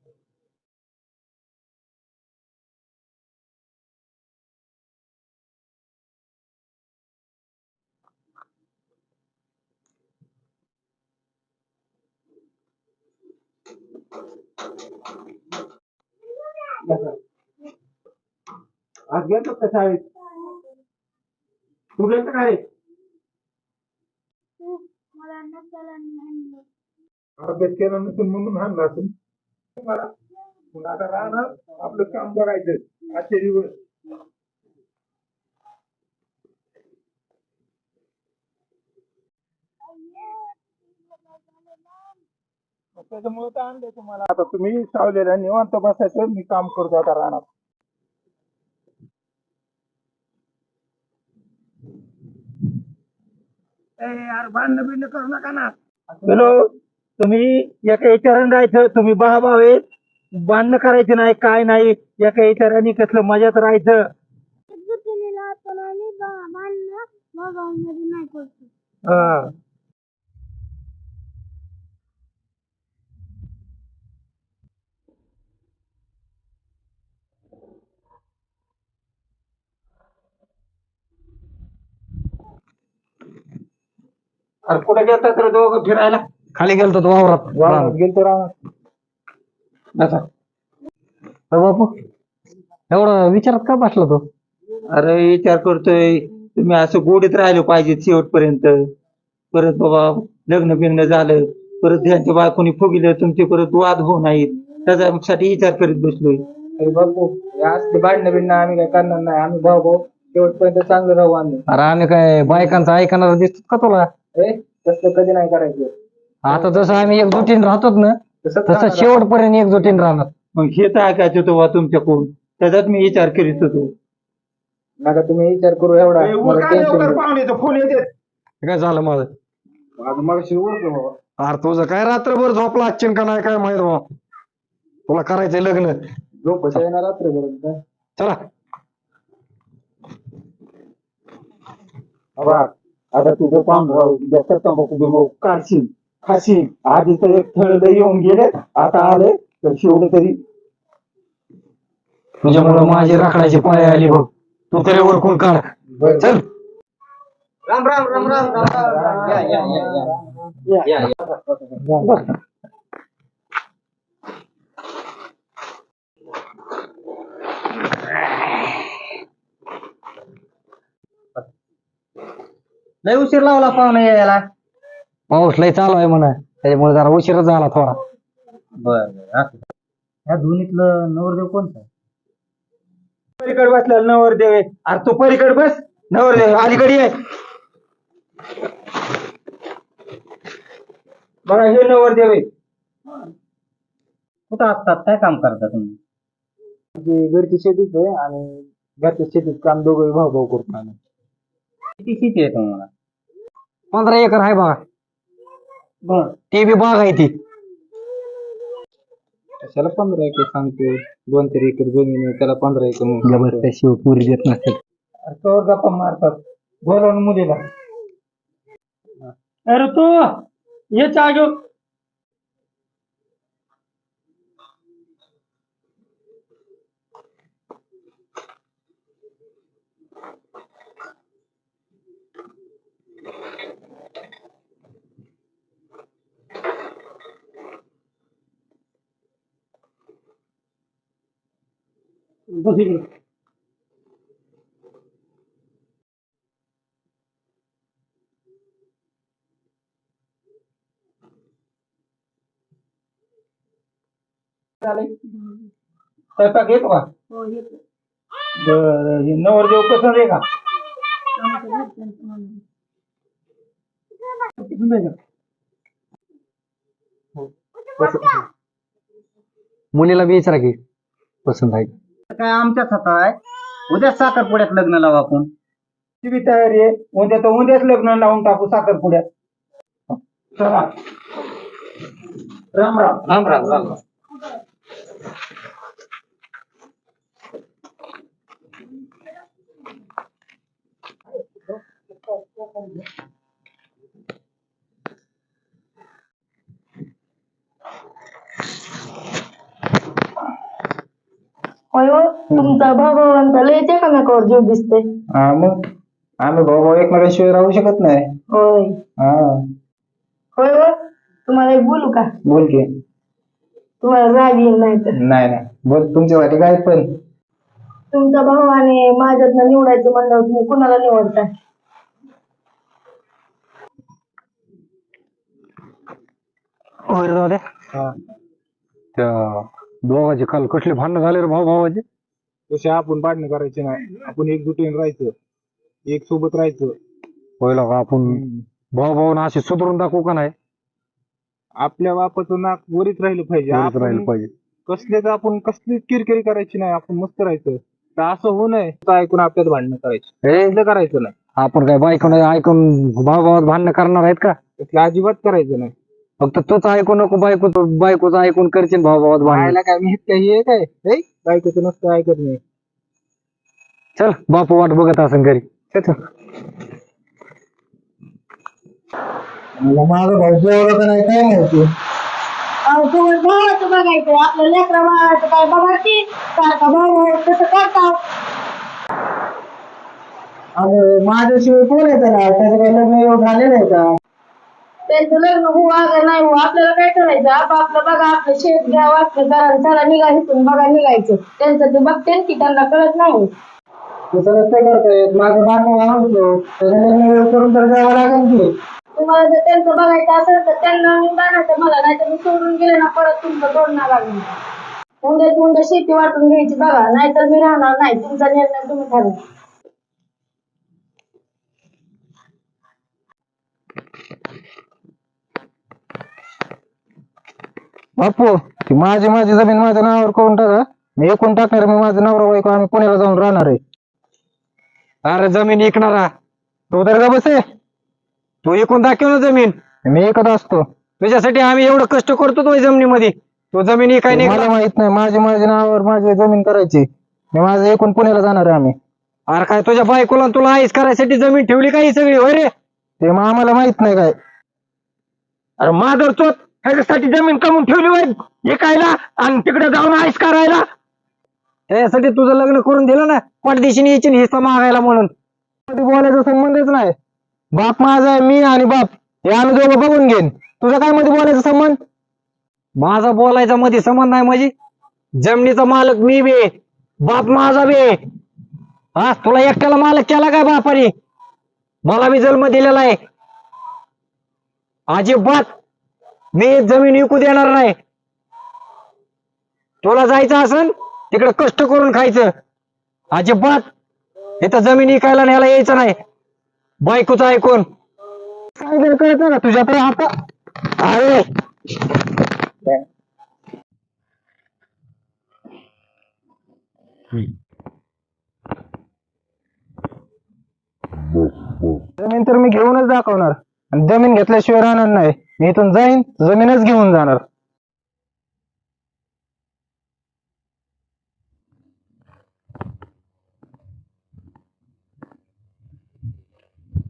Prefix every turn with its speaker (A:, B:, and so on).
A: आज गेलो का शाळेत? तू गेलता का रे? अभ्यास केला नसेल म्हणून हाणला असेल मला. मग आता राहणार आपलं काम बघायचं आजचे दिवस. त्याच्यामुळे तर आणले तुम्हाला. आता तुम्ही सावलेला निवांत बसायचं, मी काम करतो आता राहणार. यार भांडण बिंड करू नका ना. हॅलो, तुम्ही एका विचाराने राहायचं. तुम्ही भाऊ आहे, भांडणं करायचे नाही, काय नाही. एका विचाराने कसलं मजात राहायचं. हा. अरे कुठे गेलता तर दोघं फिरायला?
B: खाली गेलतो तो वावरात.
A: गेलतो राहणार.
B: बापू एवढं विचारात का बसला तो?
A: अरे विचार करतोय, तुम्ही असं गोडीत राहिलो पाहिजे शेवटपर्यंत. परत बाबा लग्न बिग्न झालं, परत त्यांच्या बायकोनी फुगिलं, तुमचे परत वाद होऊ नाहीत, त्याच्यासाठी विचार करीत बसलोय. अरे बापू, असते भांडणं बिंडणं आम्ही काय करणार नाही. आम्ही भाऊ भाऊ शेवटपर्यंत चांगलं राहू. आम्ही
B: अरे आम्ही काय बायकांचं ऐकणार दिसतो का तुला?
A: तसं कधी नाही करायचं.
B: आता जसं आम्ही एकजुटीन राहतोच ना, तसं शेवटपर्यंत एकजुटीन राहणार.
A: मग हे तर ऐकायचं होतं बा तुमच्याकडून, त्याचाच मी विचार करीत होतो. नका तुम्ही विचार करू एवढा. पाहुण्याचा फोन येते.
B: काय झालं माझं?
A: मग बाबा
B: अरे तुझं काय रात्रभर झोपला असशील का नाही काय माहित बा. तुला करायचंय लग्न.
A: झोप येणार रात्रभर.
B: चला
A: आता तुझं पाहून काढशील खाशील. आधी तर एक थळ येऊन गेले, आता आले तर शेवट तरी.
B: तुझ्यामुळे माझी राखण्याची पाळी आली बघ. तू तरी ओळखून काढ. चल.
A: राम राम राम राम राम. या या या या या.
B: लय उशीर लावला पाहुणे यायला. पाऊस लय चालू आहे म्हणा, त्याच्यामुळे जरा उशीरच झाला थोडा.
A: बर ह्या दोन्हीतलं नवरदेव कोणता? पलीकडे बसलेला नवरदेव आहे. अरे तो पलीकडे बस. नवरदेव अलीकडे आहे बघा, हे नवरदेव आहे.
B: कुठं असतात, काय काम करता तुम्ही?
A: घरची शेतीच आहे आणि घरच्या शेतीत काम दोघं भाऊ भाऊ करतो आम्ही.
B: किती शेती आहे तुम्हाला? 15 एकर आहे बघा.
A: बर,
B: ते बी बाग आहे ती.
A: त्याला 15 एकर सांगतो. 2-3 एकर जमीन आहे, त्याला 15 एकर म्हणून.
B: त्याशिवाय पुरी देत नसते.
A: कवर गप्पा मारतात. बोलवून मुलीला. अरे तू ये चहा घेऊन. बस इकडे. स्वयंपाक येतो का? बरं, हे नवरदेव पसंत आहे का? पसंत आहे का?
B: मुलीला बी विचारा की पसंत आहे.
A: काय आमच्याच हातात आहे. उद्या साखरपुड्यात लग्न लावू आपण. ती बी तयारी आहे. उद्या तर उद्याच लग्न लावून टाकू साखरपुड्यात. चला. राम राम राम राम राम.
C: होय हो, तुमचा भावांचा लयच एकामेकावर जीव दिसते.
B: हा मग आम्ही भाऊ भाऊ एकमेकांशिवाय राहू शकत नाही.
C: होय
B: हा
C: होय हो, तुम्हाला एक बोलू का?
B: बोल की.
C: तुम्हाला राग येईल नाही तर.
B: नाही नाही बोल तुमच्यासाठी काय पण.
C: तुमचा भाऊ आणि माझ्यातनं निवडायचं म्हणल्यावर तुम्ही कुणाला निवडता?
B: होय रे दादा. त्या दोघांचे काल कसले भांडणं झाले रे भाऊ भावाचे.
D: तसे आपण भांडणं करायचे नाही, आपण एकजुटीने राहायचं, एक सोबत राहायचं.
B: होय का आपण भाऊ भाऊ असे सुधरून दाखवू का नाही.
D: आपल्या बापाचं नाक वरीच राहिलं पाहिजे.
B: वरच राहिलं
D: आपण
B: पाहिजे.
D: कसलेच आपण कसलीच किरकिरी करायची नाही, आपण मस्त राहायचं. तर असं होऊ नये तर ऐकून आपल्यात भांडणं करायची,
B: हे
D: तसलं करायचं नाही.
B: आपण काय बायकोन ऐकून भाऊ भावात भांडणं करणार आहेत का.
D: तसलं अजिबात करायचं नाही.
B: फक्त तूच ऐकू नको बायकोचं ऐकून करशील भाऊ भावात भांडण.
D: राहायला काय मी काही हे काय हे? बायकोचं नसतं ऐकत नाही.
B: चल बापू वाट बघत असेल घरी. माझा भाऊ जेवढं का नाही काय माहिती.
C: अहो, तुम्ही भावाचं बघायचं, आपल्या लेकरा भावाचं काय बघायची सारखा भाऊ भाऊ तसं करतात.
B: अरे माझ्याशिवाय कोण आहे त्याला, त्याचं काही लग्न एवढं झालेलं आहे का.
C: त्यांचं लग्न हो अगं नाही हो, आपल्याला काय करायचं? आपलं बघा, आपलं शेत घ्या, वाटलं करा, चला निघा इथून, बघा निघायचं. त्यांचं ते बघते की त्यांना कळत नाही.
B: तसं नसतं करतायत. माझं भांडण आणतो त्याचं लग्न वेळ करून तर जावं लागेल की.
C: तुम्हाला जर त्यांचं बघायचं असेल तर त्यांना बघायचं, मला नाही तर मी सोडून गेले ना परत तुमचं तोडणार लागणार. उंड्या शेती वाटून घ्यायची बघा, नाहीतर मी राहणार नाही. तुमचा निर्णय तुम्ही ठरवा.
B: बापू ती माझी जमीन माझ्या नावावर करून टाका. मी एकूण टाकणार. मी माझं नवरा बायको आम्ही पुण्याला जाऊन राहणार आहे. अरे जमीन विकणारा तू तर का बसे. तू एकूण दाखव ना जमीन. मी एकत असतो. तुझ्यासाठी आम्ही एवढं कष्ट करतो तो जमिनीमध्ये. तू जमीन विकाय नाही. मला माहित नाही. माझ्या नावावर माझी जमीन करायची. मी माझं एकूण पुण्याला जाणार आहे आम्ही. अरे काय तुझ्या बायकोला तुला आईस करायसाठी जमीन ठेवली काही सगळी होय रे. ते मग आम्हाला माहित नाही काय. अरे माधर तो ह्याच्यासाठी जमीन कमवून ठेवली होय विकायला आणि तिकडे जाऊन आईस करायला. त्यासाठी तुझं लग्न करून दिलं ना. परदेशीने यायची हिस्सा मागायला म्हणून. बोलायचा संबंधच नाही. बाप माझा आहे, मी आणि बाप हे आम्ही दोघं बघून घेईन. तुझा काय मध्ये बोलायचा संबंध. माझा बोलायचा मध्ये संबंध नाही म्हणजे जमिनीचा मालक मी बे, बाप माझा बे. हा तुला एकट्याला मालक केला काय बापाने. मला बी जन्म दिलेला आहे. अजिबात मी जमीन विकू देणार नाही. तुला जायचं असेल तिकडे कष्ट करून खायचं. अजिबात इथं जमीन विकायला न्यायला यायचं नाही. बायकोचं ऐकून सांगितलं कळत ना तुझ्या तरी आता. अरे जमीन तर मी घेऊनच दाखवणार आणि जमीन घेतल्याशिवाय राहणार नाही. मी इथून जाईन जमीनच घेऊन जाणार.